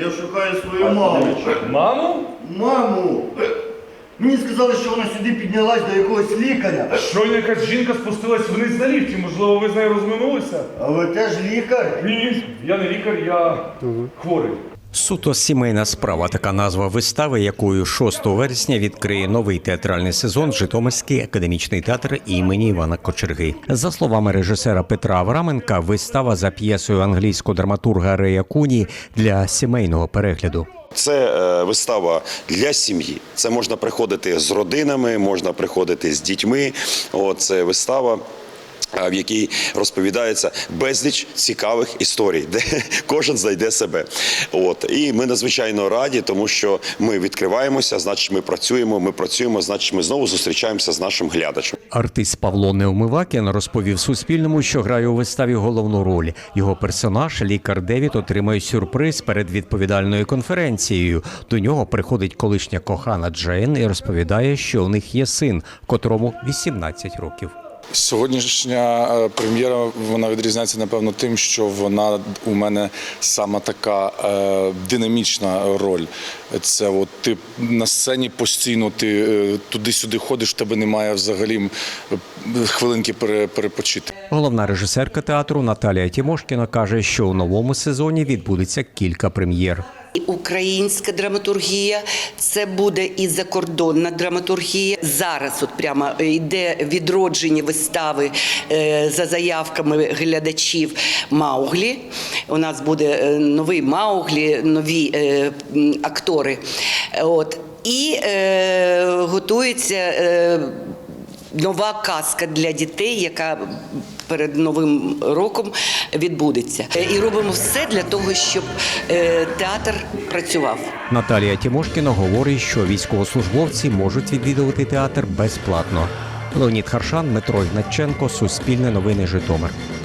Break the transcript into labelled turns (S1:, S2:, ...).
S1: Я шукаю свою маму.
S2: Маму?
S1: Маму! Мені сказали, що вона сюди піднялась до якогось лікаря.
S2: Щойно якась жінка спустилась вниз на ліфті. Можливо, ви з нею розминулися?
S1: А ви теж лікар?
S2: Ні, я не лікар, я хворий.
S3: Суто сімейна справа – така назва вистави, якою 6 вересня відкриє новий театральний сезон Житомирський академічний театр імені Івана Кочерги. За словами режисера Петра Авраменка, вистава за п'єсою англійського драматурга Рея Куні для сімейного перегляду.
S4: Це вистава для сім'ї. Це можна приходити з родинами, можна приходити з дітьми. Це вистава, в якій розповідається безліч цікавих історій, де кожен знайде себе. І ми надзвичайно раді, тому що ми відкриваємося, значить ми працюємо, значить ми знову зустрічаємося з нашим глядачем.
S3: Артист Павло Неумивакін розповів Суспільному, що грає у виставі головну роль. Його персонаж, лікар Девід, отримує сюрприз перед відповідальною конференцією. До нього приходить колишня кохана Джейн і розповідає, що у них є син, котрому 18 років.
S5: Сьогоднішня прем'єра, вона відрізняється, напевно, тим, що вона у мене саме така динамічна роль. Це ти на сцені постійно, ти туди-сюди ходиш, в тебе немає взагалі хвилинки перепочити.
S3: Головна режисерка театру Наталія Тімошкіна каже, що у новому сезоні відбудеться кілька прем'єр.
S6: Українська драматургія, це буде і закордонна драматургія. Зараз прямо йде відродження вистави за заявками глядачів «Мауглі». У нас буде новий «Мауглі», нові актори. І готується нова казка для дітей, яка перед Новим роком відбудеться. І робимо все для того, щоб театр працював.
S3: Наталія Тімошкіна говорить, що військовослужбовці можуть відвідувати театр безплатно. Леонід Харшан, Дмитро Ігнатченко, Суспільне новини, Житомир.